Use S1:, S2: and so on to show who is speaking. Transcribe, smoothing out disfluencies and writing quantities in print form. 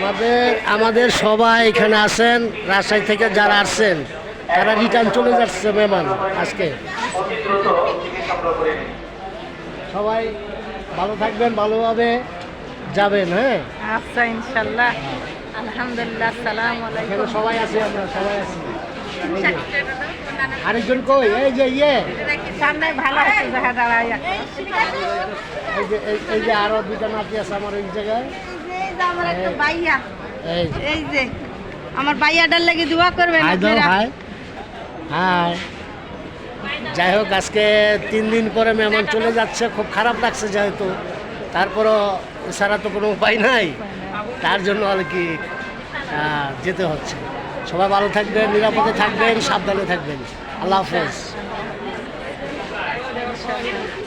S1: আমাদের সবাই এখানে আছেন, রাজশাহী থেকে যারা আসছেন তারা রিটার্ন চলে যাচ্ছে মেহমান আজকে। সবাই ভালো থাকবেন, ভালোভাবে যাবেন। হ্যাঁ,
S2: আচ্ছা, ইনশাল্লাহ। আলহামদুলিল্লাহ, আসসালামু আলাইকুম।
S1: এখানে সবাই আছি, আমরা সবাই আছি। আরেকজন কই? এই যে
S2: সামনে ভালো আছে, দেখা দাঁড়ায়।
S1: এই যে আরো দুইটা নাতি আছে আমার এই জায়গায়।
S2: এই যে আমার একটা ভাইয়া,
S1: এই যে
S2: এই যে আমার ভাইয়াটার লাগি দোয়া করবেন
S1: হাই দাও,
S2: আপনারা।
S1: Hi hi. যাই হোক, আজকে 3 দিন পরে মেহমান চলে যাচ্ছে, খুব খারাপ লাগছে যেহেতু, তারপরও এছাড়া তো কোনো উপায় নাই, তার জন্য আর কি যেতে হচ্ছে। সবাই ভালো থাকবেন, নিরাপদে থাকবেন, সাবধানে থাকবেন। আল্লাহ হাফেজ।